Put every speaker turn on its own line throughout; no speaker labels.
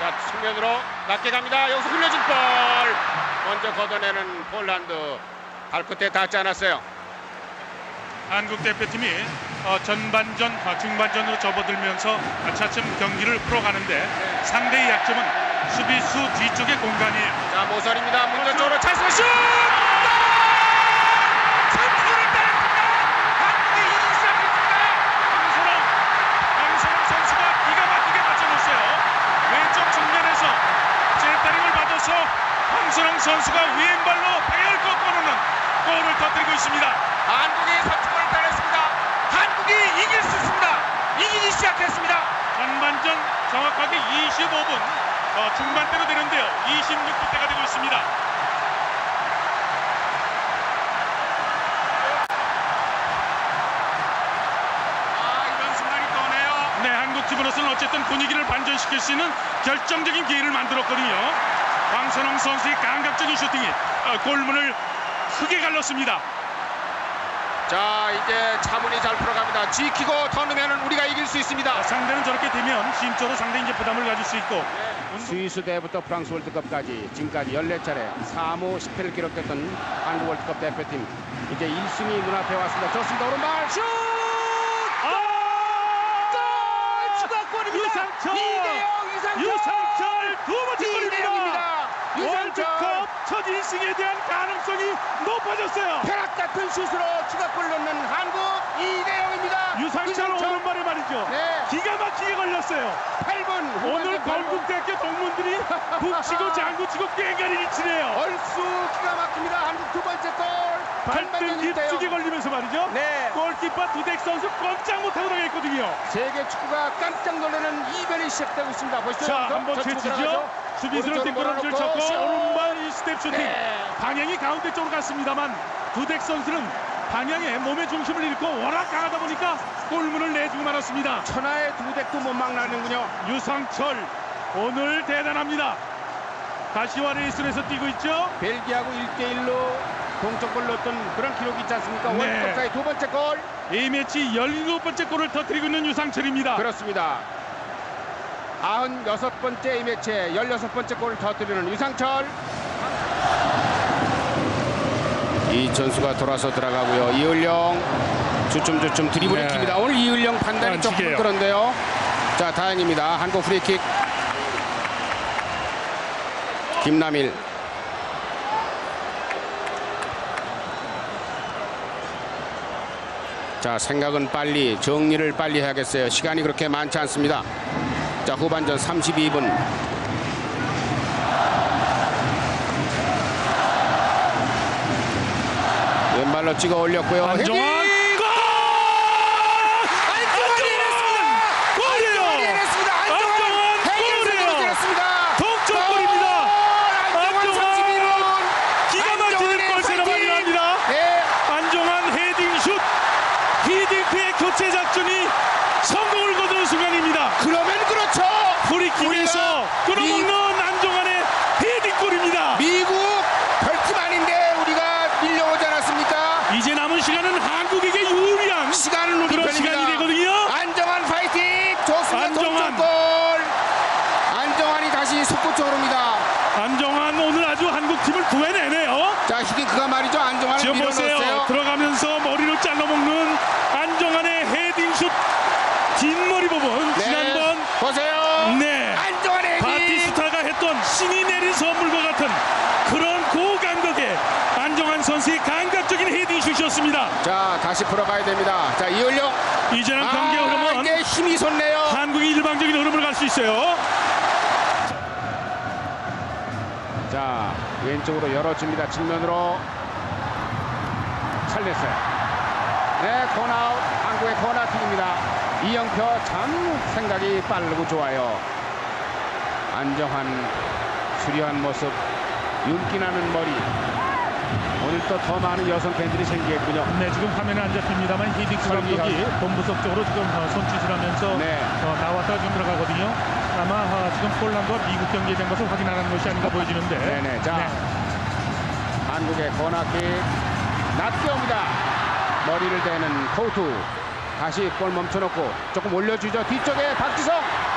자, 측면으로 낮게 갑니다. 여기서 흘려준 볼. 먼저 걷어내는 폴란드. 발끝에 닿지 않았어요.
한국 대표팀이 전반전, 중반전으로 접어들면서 차츰 경기를 풀어가는데 상대의 약점은 수비수 뒤쪽의 공간이에요.
자, 모설입니다. 문전 쪽으로 찬스 슛! 선수를 따랐습니다. 한국이 이기기 시작했습니다.
황선홍 선수가 기가 막히게 맞춰줬어요. 왼쪽 측면에서 제타링을 받아서 황선홍 선수가 왼발로 배열 꺾어놓는 골을 터뜨리고 있습니다.
한국이 선수권을 따냈습니다. 한국이 이길 수 있습니다. 이기기 시작했습니다.
전반전 정확하게 25분 중반대로 되는데요. 26분대가 되고 있습니다.
이런 순간이 떠네요.
네, 한국 팀으로서는 어쨌든 분위기를 반전시킬 수 있는 결정적인 기회를 만들었거든요. 황선홍 선수의 감각적인 슈팅이 골문을 크게 갈랐습니다.
자, 이제 차분히 잘 풀어갑니다. 지키고 더 넣으면 우리가 이길 수 있습니다.
상대는 저렇게 되면 심적으로 상당히 이제 부담을 가질 수 있고
스위스 대회부터 프랑스 월드컵까지 지금까지 14차례 3호 10회를 기록했던 한국 월드컵 대표팀. 이제 1승이 눈앞에 왔습니다. 좋습니다. 오른발 슛! 골! 추가골입니다.
유상철 두 번째 골입니다.
유상철
월드컵 첫 1승에 대한 가능성이 높아졌어요.
벼락 같은 슛으로 추가골 넣는 한국 2대0입니다.
유상철 오른발에 말이죠.
네.
기가 막히게 걸렸어요.
8분
오늘 건국대학교 동문들이 북치고 장구치고 꽹가리를 치네요.
얼쑤 기가 막힙니다. 한국 두 번째 골.
발등 깊숙이 걸리면서 말이죠.
네.
골키퍼 두덱 선수 꼼짝 못하고 나가있거든요.
세계 축구가 깜짝 놀라는 이변이 시작되고 있습니다. 보시죠.
자, 한번 채치죠. 수비수는 뒷걸음질 쳤고 오른발 1스텝 슈팅.
네.
방향이 가운데 쪽으로 갔습니다만 두덱 선수는 방향에 몸의 중심을 잃고 워낙 강하다 보니까 골문을 내주고 말았습니다.
천하의 두덱도 못 막나는군요.
유상철 오늘 대단합니다. 가시와 레이스에서 뛰고 있죠.
벨기아하고 1대1로 동점골 넣었던 그런 기록이 있지 않습니까?
네.
월드컵사의 두 번째 골.
이 매치 17번째 골을 터뜨리고 있는 유상철입니다.
그렇습니다. 96번째 이 매치에 16번째 골을 터뜨리는 유상철. 이천수가 돌아서 들어가고요. 이을령 주춤주춤 드리블을
네.
킵니다. 오늘 이을령 판단이 조금
반칙이에요.
그런데요. 자, 다행입니다. 한국 프리킥. 김남일. 자, 생각은 빨리, 정리를 빨리 해야겠어요. 시간이 그렇게 많지 않습니다. 자, 후반전 32분. 왼발로 찍어 올렸고요.
안정환
헤딩!
골!
안정환이 해냈습니다.
골이에요.
안정환이 해냈습니다.
안정환
헤딩으로
골이에요.
때렸습니다.
동점골입니다.
안정환
안정환
31분.
기가 막히는 골 세레머니 합니다.
네.
안정환 헤딩슛 히딩크의 교체 작전이 성공을 거둔 순간입니다.
그러면 그렇죠.
프리킥에서 끌어먹는 안정환의 헤딩골입니다.
미국 별팀 아닌데 우리가 밀려오지 않았습니까?
이제 남은 시간은 한국에게 유리한
시간은 우리
그런
편입니다.
시간이 되거든요.
안정환 파이팅. 좋습니다.
안정환.
동점골. 안정환이 다시 속구 쪽으로 옵니다.
안정환 오늘 아주 한국팀을 구해내네요.
자, 히딩크가 말이죠. 안정환을
지금 보세요.
밀어넣었어요.
들어가면서 머리를 잘라먹는 안정환의 헤딩슛 뒷머리 부분.
네.
지난번
보세요.
네
안정환의 헤딩.
바티스타가 했던 신이 내린 선물과 같은 그런 고감각의 안정환 선수의 감각적인 헤딩슛이었습니다.
자, 다시 풀어가야 됩니다. 자, 이을령.
이제는 경기의 흐름은
이게 힘이 솟네요.
한국이 일방적인 흐름을 갈 수 있어요.
자, 왼쪽으로 열어줍니다. 측면으로 살렸어요. 네, 코너아웃. 한국의 코너킥입니다. 이영표 참 생각이 빠르고 좋아요. 안정환 수려한 모습, 윤기나는 머리. 오늘 또 더 많은 여성 팬들이 생기겠군요.
네, 지금 화면에 안 잡힙니다만 히딩크
설기
감독이
선수.
본부석 쪽으로 지금 손짓을 하면서
네.
나왔다가 지금 들어가거든요. 아마 지금 폴란드와 미국 경기에 된 것을 확인하는 것이 아닌가 보여지는데.
네네. 자, 한국의 코너킥 낮게 옵니다. 머리를 대는 코우투. 다시 볼 멈춰놓고 조금 올려주죠. 뒤쪽에 박지성.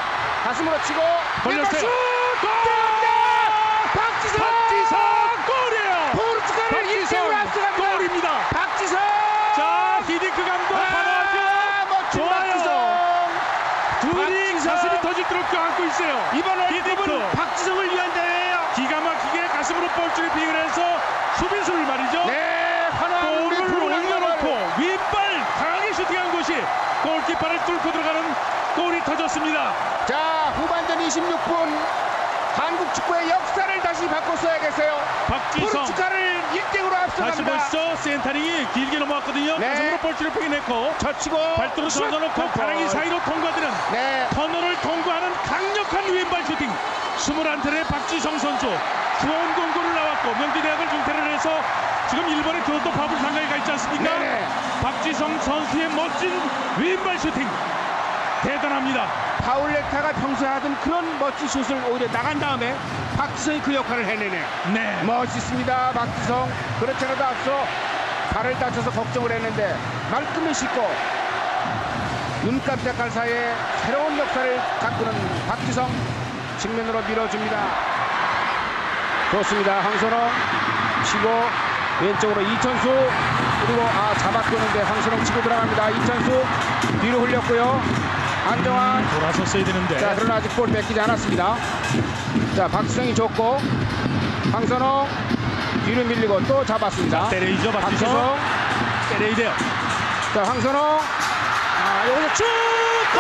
가슴으로 치고
걸렸어요.
슛!
골!
박지성!
박지성 골이에요.
포르투갈을
박지성
1대1로 앞서갑니다.
골입니다.
박지성!
자, 히딩크 감독 바라죠.
멋진
좋아요.
박지성!
둘이
박지성.
가슴이 터질 것 안고 있어요.
이번 월드컵은
히딩크
박지성을 위한 대회예요.
기가 막히게 가슴으로 볼줄을 비행을 해서 수비수를 말이죠.
네, 환호하는 우리
볼을
프로그램
올려놓고 윗발 강하게 슈팅한 것이 골키퍼를 뚫고 들어가는 골이 터졌습니다.
자, 후반전 26분 한국 축구의 역사를 다시 바꿨어야겠어요.
박지성
포르투갈을 1대0으로
다시
앞서갑니다.
벌써 센터링이 길게 넘어왔거든요.
네.
가슴으로 볼줄을 빼내고
젖히고
발도로
슛!
던져놓고 가랑이 사이로 통과되는
네,
터널을 통과하는 강력한 왼발 슈팅. 21살의 박지성 선수 좋은 공고를 나왔고 명지대학을 중퇴를 해서 지금 일본의 교토 파블 상가에 가 있지 않습니까?
네네.
박지성 선수의 멋진 왼발 슈팅 대단합니다.
파울레타가 평소에 하던 그런 멋진 슛을 오히려 나간 다음에 박지성이 그 역할을 해내네요.
네.
멋있습니다, 박지성. 그렇지 않아도 앞서 발을 다쳐서 걱정을 했는데 말끔히 씻고 눈 깜짝할 사이에 새로운 역사를 가꾸는 박지성, 측면으로 밀어줍니다. 좋습니다. 황선홍 치고 왼쪽으로 이천수, 그리고 잡아끄는데 황선홍 치고 들어갑니다. 이천수 뒤로 흘렸고요. 안정환.
돌아섰어야 되는데.
자, 그러나 아직 볼 뺏기지 않았습니다. 자, 박지성이 좋고 황선홍 뒤로 밀리고 또 잡았습니다.
때려이죠, 박지성.
박지성.
때려야 돼요.
자, 황선홍. 여기서 쭉! 골!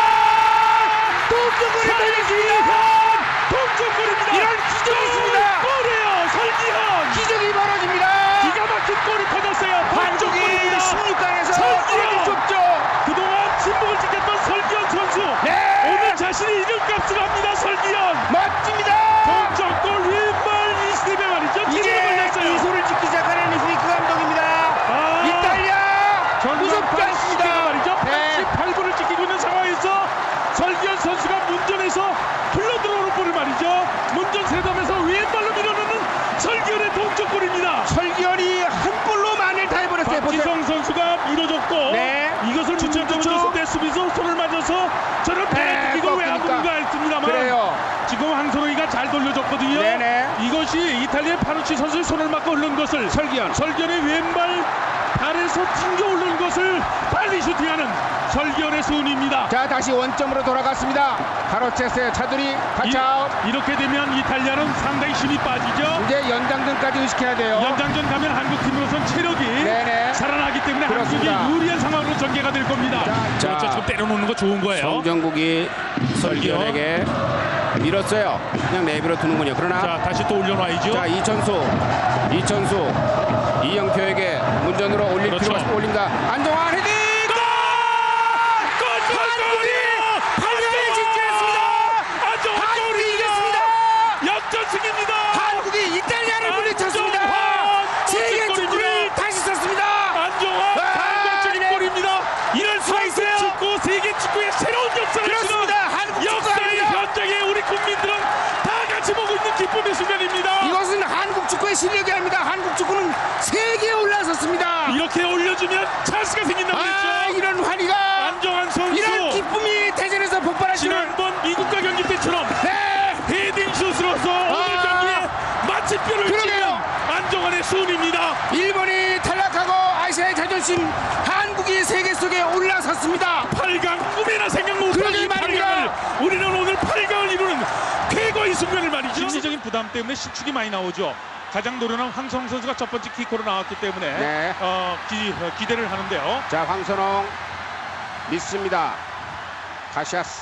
동점골이 걸렸습니다.
동점골입니다.
이런 기적이 있습니다.
골이에요. 설기현.
기적이 벌어집니다.
기가 막힌 골이 터졌어요.
한국이
동점골입니다.
16강에서
설기현.
좁죠.
그동안 침묵을 지켰던 설기현 선수.
네.
오늘 자신이 이름값을 합니다. 설기현.
멋집니다.
동점골 왼발 이스텝에 말이죠. 기적을
이제
걸렸어요.
미소를 짓기 시작하는 히딩크 감독입니다. 이탈리아 무섭지 않습니다.
말이죠.
네.
88분을 지키고 있는 상황에서 설기현 선수가 문전에서 흘러들어오는 볼을 말이죠. 문전 세담에서 왼발로 밀어넣는 설기현의 동점골입니다.
설기현이 한 볼로 만을 다 해버렸어요.
박지성 선수가 밀어줬고
네.
이것을 주체적으로 줬을 때 수비수 손을 맞아서 저를
네,
뺏기고 왜 안
꺾으니까.
부른가 했습니다만
그래요.
지금 황선홍이가 잘 돌려줬거든요.
네네.
이것이 이탈리아의 파누치 선수의 손을 맞고 흐른 것을 설기현의 왼발 발에서 튕겨 오르는 것을 빨리 슈팅하는 설기현의 수운입니다.
자, 다시 원점으로 돌아갔습니다. 가로챘어요. 차두리 타치아웃.
이렇게 되면 이탈리아는 상당히 힘이 빠지죠.
이제 연장전까지 의식해야 돼요.
연장전 가면 한국 팀으로선 체력이
네네.
살아나기 때문에
그렇습니다.
한국이 유리한 상황으로 전개가 될 겁니다.
자,
지금 때려놓는 거 좋은 거예요.
정정국이 설기현에게 밀었어요. 그냥 내비로 두는군요. 그러나
자, 다시 또 올려놔야죠.
자, 이천수 이영표에게 문전으로 올릴
그렇죠.
필요가 올린다. 안정환 헤딩! 한국이 8강에 진출했습니다. 한국이 이겼습니다.
역전승입니다.
한국이 이탈리아를 물리쳤습니다. 세계 축구를 다시 썼습니다.
안정환 감동적인
네.
골입니다.
이럴 수가 있어요.
축구 세계 축구의 새로운 역사를
그렇습니다.
쓰는
한국
역사의
축구입니다.
현장에 우리 국민들은 다 같이 보고 있는 기쁨의 순간입니다.
이것은 한국 축구의 실력이 아닙니다. 한국 축구는 세계에 올라섰습니다.
이렇게 올려주면 찬스가 생긴다고 했죠.
이런 환희가,
안정환 선수
이런 기쁨이 대전에서 폭발하시는.
지난번 미국과 경기 때처럼
네.
헤딩 슛으로서 오늘 경기에 마침표를
그러게요.
찍는 안정환의 수운입니다.
일본이 탈락하고 아시아의 자존심, 한국이 세계 속에 올라섰습니다.
8강 꿈에나 생각 못한
그러게
이
말입니다.
8강을 우리는 오늘 8강을 이루는 쾌거의 순간을 말이죠. 심리적인 부담 때문에 실축이 많이 나오죠. 가장 노련한 황선홍 선수가 첫 번째 키커로 나왔기 때문에
네.
기대를 하는데요.
자, 황선홍 믿습니다. 카시아스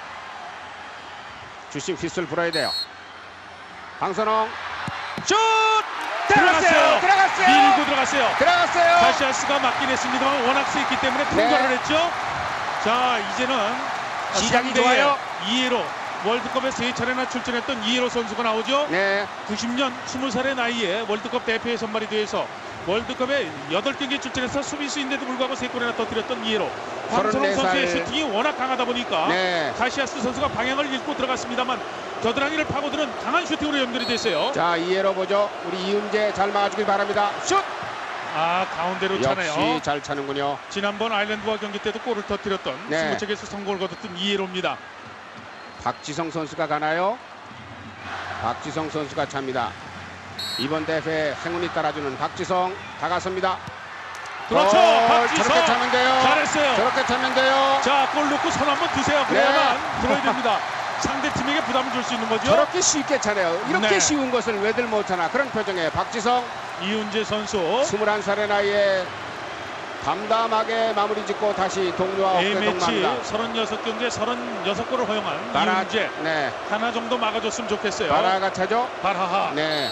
주심 휘슬 불어야 돼요. 황선홍 슛! 들어갔어요.
밀고 들어갔어요.
들어갔어요.
카시아스가 맞긴 했습니다만 워낙 세기 때문에 통과를 했죠. 자, 이제는
시작이
상대의
좋아요.
이에로 월드컵에 3차례나 출전했던 이에로 선수가 나오죠.
네.
90년 20살의 나이에 월드컵 대표에 선발이 돼서 월드컵에 8경기에 출전해서 수비수인데도 불구하고 3골이나 터뜨렸던 이에로. 황선홍
34살.
선수의 슈팅이 워낙 강하다 보니까
네.
카시아스 선수가 방향을 잃고 들어갔습니다만 겨드랑이를 파고드는 강한 슈팅으로 연결이 됐어요.
자, 이해로 보죠. 우리 이은재 잘 막아주길 바랍니다. 슛!
가운데로
역시
차네요.
잘 차는군요.
지난번 아일랜드와 경기 때도 골을 터뜨렸던
네.
20척에서 성공을 거뒀던 이에로입니다.
박지성 선수가 가나요? 박지성 선수가 찹니다. 이번 대회 행운이 따라주는 박지성 다가섭니다.
그렇죠. 박지성
저렇게 차면 돼요.
잘했어요.
저렇게 차면 돼요.
자, 골 넣고 손 한번 드세요. 그래야만
네.
들어야 됩니다. 상대 팀에게 부담을 줄 수 있는 거죠.
저렇게 쉽게 차네요. 이렇게
네.
쉬운 것을 왜들 못하나 그런 표정에 박지성
이훈재 선수
21살의 나이에 담담하게 마무리 짓고 다시 동료와 어깨
A매치
동무합니다.
36경기에 36골을 허용한
바라,
이훈재
네,
하나 정도 막아줬으면 좋겠어요.
바라가 차죠.
바라하.
네.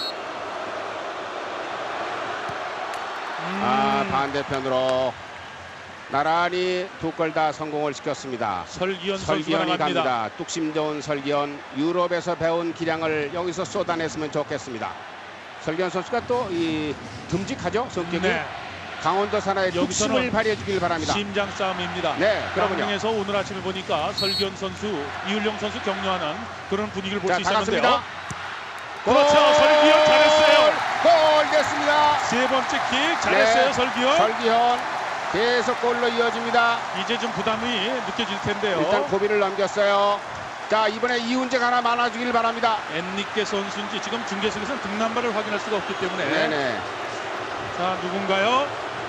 반대편으로 나란히 두 골 다 성공을 시켰습니다.
설기현 선수가
설기현이
나갑니다.
갑니다. 뚝심 좋은 설기현. 유럽에서 배운 기량을 여기서 쏟아냈으면 좋겠습니다. 설기현 선수가 또 이 듬직하죠, 성격이.
네.
강원도 산하의
여기서는
뚝심을 발휘해 주길 바랍니다.
심장 싸움입니다.
네, 그러군요.
강릉에서 오늘 아침에 보니까 설기현 선수, 이율령 선수 격려하는 그런 분위기를 볼
자,
수 있었는데요.
다갔습니다.
그렇죠. 설기현 잘했어요.
골 됐습니다.
세 번째 킥 잘했어요.
네,
설기현.
설기현 계속 골로 이어집니다.
이제 좀 부담이 느껴질 텐데요.
일단 고비를 넘겼어요. 자, 이번에 이훈재가 하나 많아주길 바랍니다.
엔리케 선수인지 지금 중계석에서는 등남발을 확인할 수가 없기 때문에.
네네.
자, 누군가요?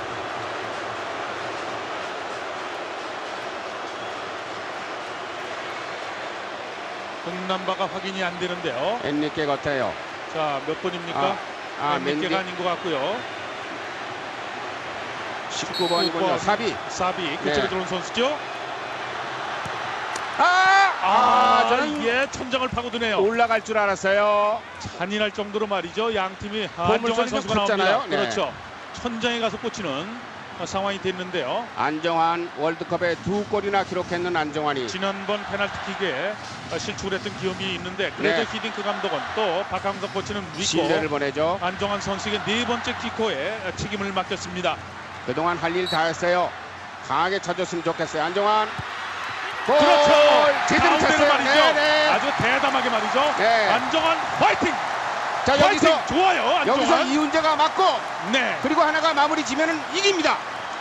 등남바가 확인이 안 되는데요.
엔리케 같아요.
자, 몇 번입니까? 엔리케가 아닌 것 같고요.
19번이군요. 사비.
사비 그쪽에
네.
들어온 선수죠.
저는
이게 천장을 파고드네요.
올라갈 줄 알았어요.
잔인할 정도로 말이죠. 양 팀이
보물
안정환
소리도
선수가 나옵니다.
컸잖아요. 네.
그렇죠. 천장에 가서 꽂히는 상황이 됐는데요.
안정환 월드컵에 2골이나 기록했는 안정환이
지난번 페널티킥에 실축을 했던 기억이 있는데 그래도
네.
히딩크 감독은 또 박항석 코치는
신뢰를
믿고
보내죠.
안정환 선수에게 네 번째 키커에 책임을 맡겼습니다.
그동안 할 일 다 했어요. 강하게 쳐줬으면 좋겠어요. 안정환. 골!
그렇죠.
제대로
가운데로
찼어요.
말이죠.
네네.
아주 대담하게 말이죠.
네.
안정환 화이팅!
자,
화이팅!
여기서
좋아요. 안정환.
여기서 이훈재가 맞고
네.
그리고 하나가 마무리 지면은 이깁니다.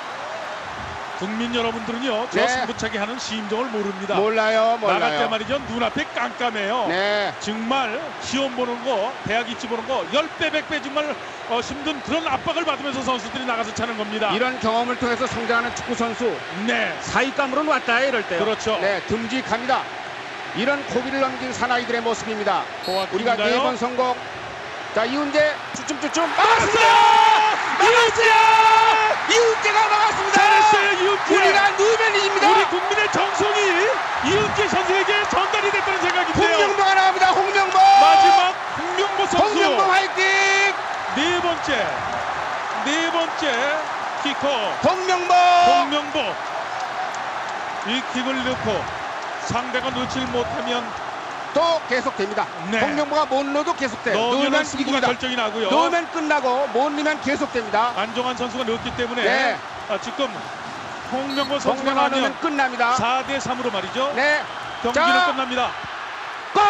국민 여러분들은요. 저
네.
승부차기 하는 심정을 모릅니다.
몰라요.
나갈 때 말이죠. 눈앞에 깜깜해요.
네.
정말 시험 보는 거, 대학 입시 보는 거 10배, 100배 정말 힘든 그런 압박을 받으면서 선수들이 나가서 차는 겁니다.
이런 경험을 통해서 성장하는 축구 선수
네.
사익감으로는 왔다 이럴 때요.
그렇죠.
네, 듬직합니다. 이런 고비를 넘긴 사나이들의 모습입니다. 우리가
호아킨인가요?
4번 성공. 자, 이훈재 쭈쭝쭈쭝
막았습니다!
이훈재가 막았습니다.
잘했어요, 이훈재.
우리가 누우면 이깁니다.
우리 국민의 정성이 이훈재 선수에게 전달이 됐다는 생각이 들어요.
홍명보가 나옵니다. 홍명보.
마지막 홍명보 선수.
홍명보 화이팅.
네 번째 키커
홍명보.
홍명보. 이 킥을 넣고 상대가 놓칠 못하면
또 계속됩니다.
네.
홍명보가 못 넣어도 계속돼요.
넣으면
넣으면
승부가
이깁니다.
결정이 나고요.
넣으면 끝나고 못 넣으면 계속됩니다.
안정환 선수가 넣었기 때문에
네.
지금 홍명보 선수가
홍명보
나면
넣으면 끝납니다.
4대 3으로 말이죠.
네.
경기는
자.
끝납니다.
골!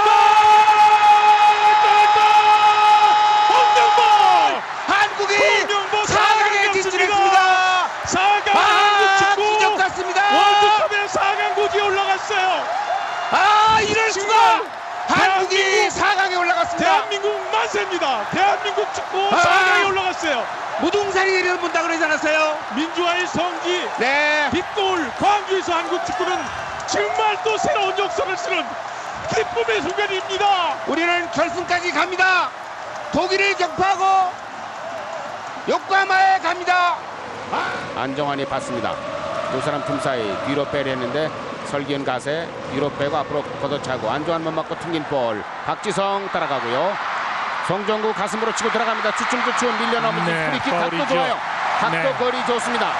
홍명보!
한국이
홍명보
4강에 진출했습니다.
4강 한국 축구
기적 같습니다.
월드컵에 4강 고지에 올라갔어요.
이럴 수가. 한국이 4강에 올라갔습니다.
대한민국 만세입니다. 대한민국 축구
아.
4강에 올라갔어요.
무등산이 본다 그러지 않았어요?
민주화의 성지
네.
빗골 광주에서 한국 축구는 정말 또 새로운 역사를 쓰는 기쁨의 순간입니다.
우리는 결승까지 갑니다. 독일을 격파하고 요코하마에 갑니다. 안정환이 봤습니다. 두 사람 틈 사이 뒤로 빼려는데 설기현 가세 뒤로 빼고 앞으로 걷어차고 안정환만 맞고 튕긴 볼. 박지성 따라가고요. 송정구 가슴으로 치고 들어갑니다. 주춤주춤 밀려나오면서
네,
프리킥 각도
파울이죠.
좋아요. 각도
네.
거리 좋습니다.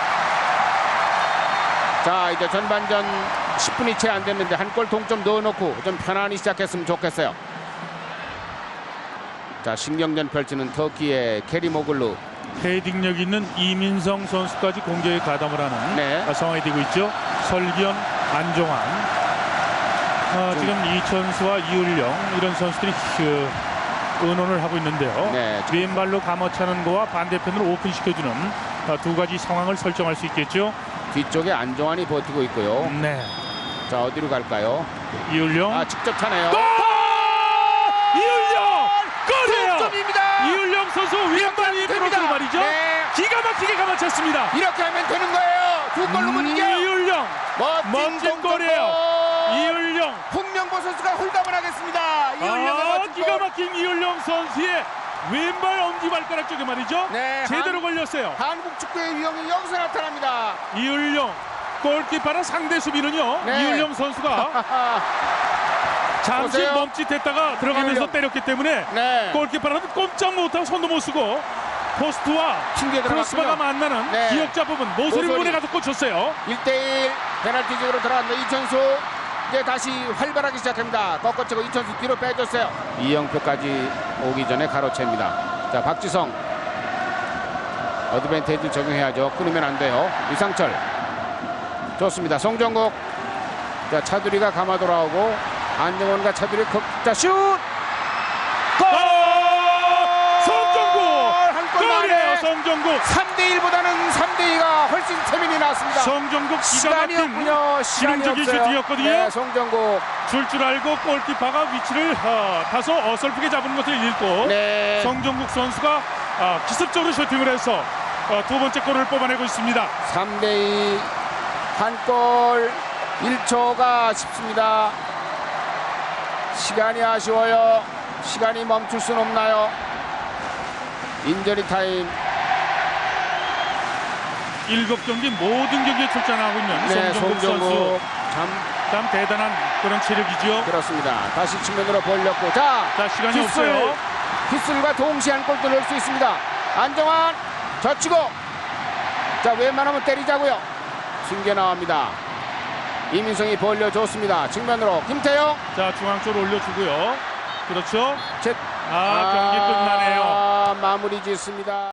자, 이제 전반전 10분이 채 안 됐는데 한 골 동점 넣어놓고 좀 편안히 시작했으면 좋겠어요. 자, 신경전 펼치는 터키의 케리모글루.
헤딩력 있는 이민성 선수까지 공격에 가담을 하는
네.
상황이 되고 있죠. 설기현, 안정환, 지금 이천수와 이율령 이런 선수들이 의논을 하고 있는데요.
네.
왼발로 감어차는 거와 반대편으로 오픈시켜주는 두 가지 상황을 설정할 수 있겠죠.
뒤쪽에 안정환이 버티고 있고요.
네.
자, 어디로 갈까요?
이율용.
직접 차네요.
골! 이율용 골이에요.
득점입니다.
이율용 선수 왼발이 부러지고 말이죠.
네.
기가 막히게 감아쳤습니다.
이렇게 하면 되는 거예요. 두 골로 못 이겨요.
이율용 멋진 골이에요. 이율용.
홍명보 선수가 홀담을 하겠습니다. 이율용의 멋진
기가
골.
막힌 이율용 선수의 왼발 엄지발가락 쪽에 말이죠.
네,
제대로 걸렸어요.
한국 축구의 위용이 여기서 나타납니다.
이율용 골키퍼는 상대 수비는요.
네.
이율용 선수가 잠시
보세요.
멈칫했다가 들어가면서
이율용.
때렸기 때문에
네.
골키퍼라도 꼼짝 못하고 손도 못 쓰고 포스트와
튕겨
크로스바가
들어갔군요.
만나는
네.
기역자 부분 모서리
모서리.
부분에 가서 꽂혔어요.
1대1 페널티킥으로 들어갔는데 이천수 이제 다시 활발하기 시작합니다. 꺾어치고 이천수 뒤로 빼줬어요. 이영표까지 오기 전에 가로챕니다. 자, 박지성 어드밴테이지 적용해야죠. 끊으면 안 돼요. 이상철 좋습니다. 송정국. 자, 차두리가 감아 돌아오고 안정원과 차두리 자, 슛! 골!
송정국
한골
골이에요.
만에
송정국
3대1보다는 3대2가 훨씬 세민이 나왔습니다.
송정국 기가
시간이
막힌
없군요. 시간이
기름지기
없어요.
슈팅이었거든요.
네, 송정국.
줄 알고 골키퍼가 위치를 다소 어설프게 잡은 것을 읽고
네.
송정국 선수가 기습적으로 슈팅을 해서 두 번째 골을 뽑아내고 있습니다.
3대2 한 골 1초가 아쉽습니다. 시간이 아쉬워요. 시간이 멈출 순 없나요? 인저리 타임.
7경기 모든 경기에 출전하고 있는
네,
송정국 선수
송정국
참 대단한 그런 체력이죠.
그렇습니다. 다시 측면으로 벌렸고 자
시간이 없어요.
휘슬과 동시에 한 골도 넣을 수 있습니다. 안정환 젖히고 자 웬만하면 때리자고요. 숨겨 나옵니다. 이민성이 벌려줬습니다. 측면으로 김태형.
자, 중앙 쪽으로 올려주고요. 그렇죠.
경기
경기 끝나네요.
마무리 짓습니다.